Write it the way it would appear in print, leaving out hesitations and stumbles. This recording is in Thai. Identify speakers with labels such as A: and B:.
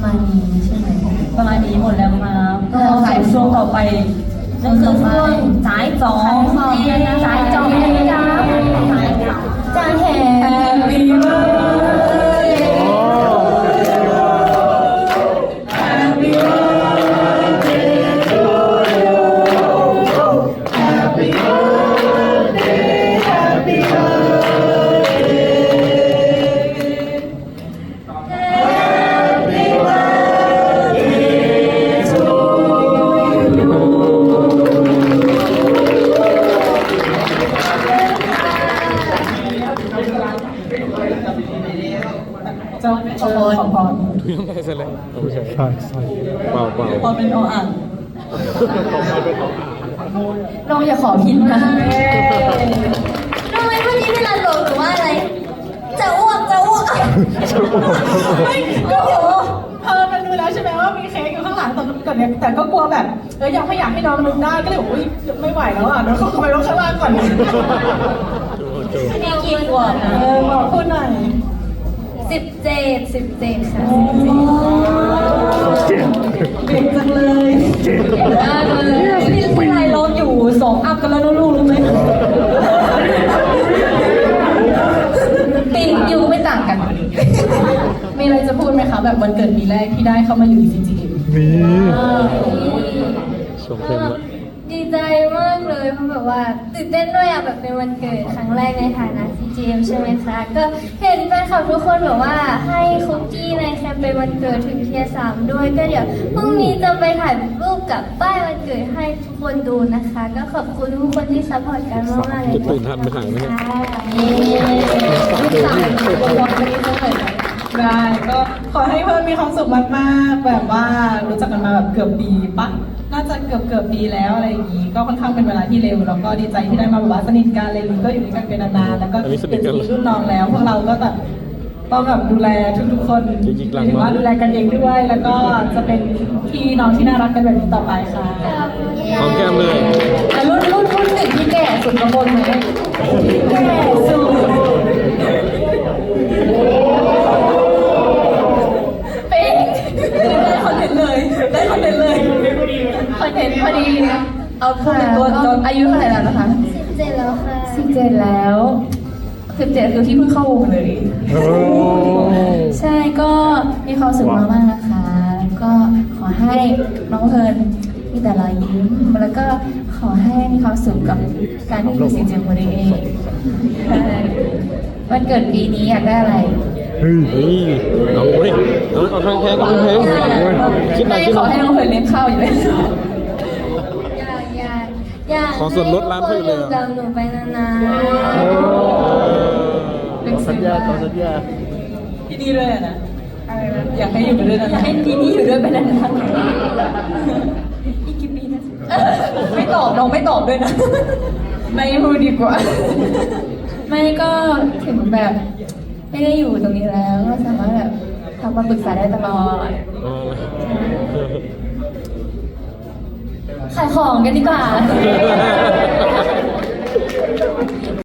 A: มาณนี้ใช่ไหม
B: ประมาณนี้หมดแล้วครับก็ใส่ช่วงต่อไปนั่นคือช่วงสายจองสายจองนะครับจางแห่ Happy birthday Happy birthday to you Happy birthday Happyเจ้าขอพร
C: ทุกอย่างได้เสร็จแล้วไม่ใช่
D: ใช่ใช่
C: เปล่า
B: พอเป็นออ่าง
A: น้องอย่าขอพินนะ
E: ทำไมเมื่อกี้เวลาโหลดหรือว่าอะไร จะอ้วกโอ้โห
F: มันรู้แล้วใช่ไหมว่ามีเค้กอยู่ข้างหลังแต่เนี่ยแต่ก็กลัวแบบยังไม่อยากให้น้องนึกได้ก็เลยบอกอุ้ยไม่ไหวแล้วอ่ะเดี๋ยวเขาไปลงข้างล่างก่อน
E: นี่กี่ขวบนะ
F: บอกพูดหน่อย
E: 17ค่ะ
B: เก่งจังเลยเก่งมากเลยนี่ที่ไรเราอยู่2 อัพกันแล้วนะลูกรู้ไหม
A: ปียูไม่ต่างกัน มีอะไรจะพูดไหมคะแบบวันเกิดปีแรกที่ได้เข้ามาอยู่ CGM
D: นี่
C: ชมเต็มละ
E: ดีใจมากเลยเพราะแบบว่าตื่นเต้นด้วยอะแบบเป็นวันเกิดครั้งแรกในฐานะ CGM ใช่ไหมคะก็เห็นแฟนคลับทุกคนแบบว่าให้คุกกี้ในแคมเปญวันเกิดถึงเทียร์3ด้วยก็เดี๋ยวพรุ่งนี้จะไปถ่ายรูปกับป้ายวันเกิดให้ทุกคนดูนะคะ ก็ขอบคุณทุกคนที่ซัพพอร์ตกันมากๆเลย
C: จะตื่นทันไปถ่ายไหมเนี่ย
F: ได้ก็ขอให้เพื่อนมีความสุขมากๆแบบว่ารู้จักกันมาแบบเกือบปีปะน่าจะเกือบปีแล้วอะไรอย่างนี้ก็ค่อนข้างเป็นเวลาที่เร็วแล้วก็ดีใจที่ได้มาแบบว่าสนิทกันอะไรอย่างนี้ก็อยู่ด้วยกันเป็นนานๆแล้วก็เป็นรุ่นน้องแล้วพวกเราก็แบบต้องแบบดูแลทุกๆคนถือว่าดูแลกันเองด้วย แล้วก็จะเป็นพี่น้องที่น่ารักกันแบบนี้ต่อไปค่ะ
C: หอมแก้มเลย
A: รุ่นหนึ่งที่แก่สุดกระบนไหม
F: แก่สุด
A: เป็น
B: ได้คอนเทนต์เลยได้คอนเทนต์เลย
A: คอนเทนต์พอดีเอาค่ะตัวอายุเท่าไหร่แล้วนะคะ
E: 17แล้วค่ะ
A: 17แล้ว17คือที่เพิ่งเข้าวงเลย
D: โอ้
A: ใช่ก็มีความสุขมากๆนะคะ ก็ขอให้น้องเพลิร์นมีแต่รอยยิ้ม แล้วก็ขอให้มีความสุขกับการที่อยู่ซีเจมโมเดเองใช่วันเกิดปีนี้อยากได้อะไร
D: เฮ้ย
C: เฮ้ยเอาเว้ยเอาทางแพงคิดหน่
A: ไม่
C: อยคิดห
A: ข
C: น่
A: อ
C: อย
A: ให้น้องเพลิร์นเลี้ยงข้าวอยู่เลย
E: อยาก
C: ขอส่วนลดร้านเขาอยู่เลย
E: ให้ทุกคนกับหนูไปนาน
A: เป็นสัญญา
B: ที่นี่ด้วยอะนะอยากให้อยู่ด้วยนะอยากให้ที่นี่อยู่ด้วยเป็นนานๆอีกกี่ปีนะไม่ตอบน้องไม่ตอบด้วยนะ
A: ไม่พูดดีกว่า ไม่ก็ถึงแบบไม่ได้อยู่ตรงนี้แล้วก็สามารถแบบทำมาปรึกษาได้ตลอด
C: อ๋อ
A: ขายของกันดีกว่า